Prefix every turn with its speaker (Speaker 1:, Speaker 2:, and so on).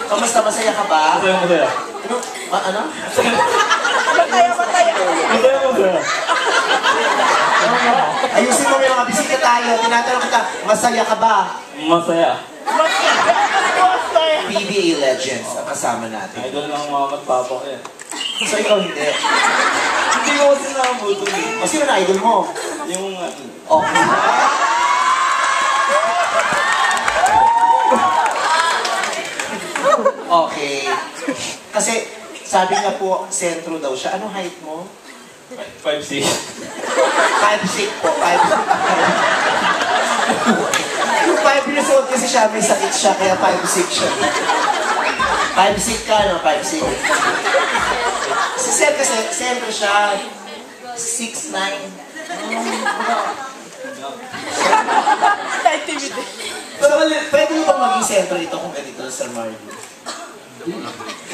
Speaker 1: Kamusta? Masaya ka ba?
Speaker 2: Masaya, masaya.
Speaker 1: Ano?
Speaker 3: Masaya.
Speaker 2: Masaya.
Speaker 1: Ayusin mo yung mga bisita tayo. Tinatanong kita, masaya ka ba?
Speaker 2: Masaya.
Speaker 1: PBA Legends ang kasama natin.
Speaker 2: Idol ng mama at papa ko yan.
Speaker 1: So ikaw hindi.
Speaker 2: Hindi ko kasi nakabutol eh.
Speaker 1: O sino na idol mo?
Speaker 2: Yung
Speaker 1: Okay. Okay. Kasi sabi nga po, sentro daw siya. Anong height mo?
Speaker 2: 5'6".
Speaker 1: 5'6" po. 5'6". Yung 5 years old kasi siya, may sakit siya, kaya 5'6" siya. 5'6" ka, no? 5'6". Si Seth kasi, sentro siya. 6'9". So, pwede mo bang maging sentro ito kung ganito, Sir Mario?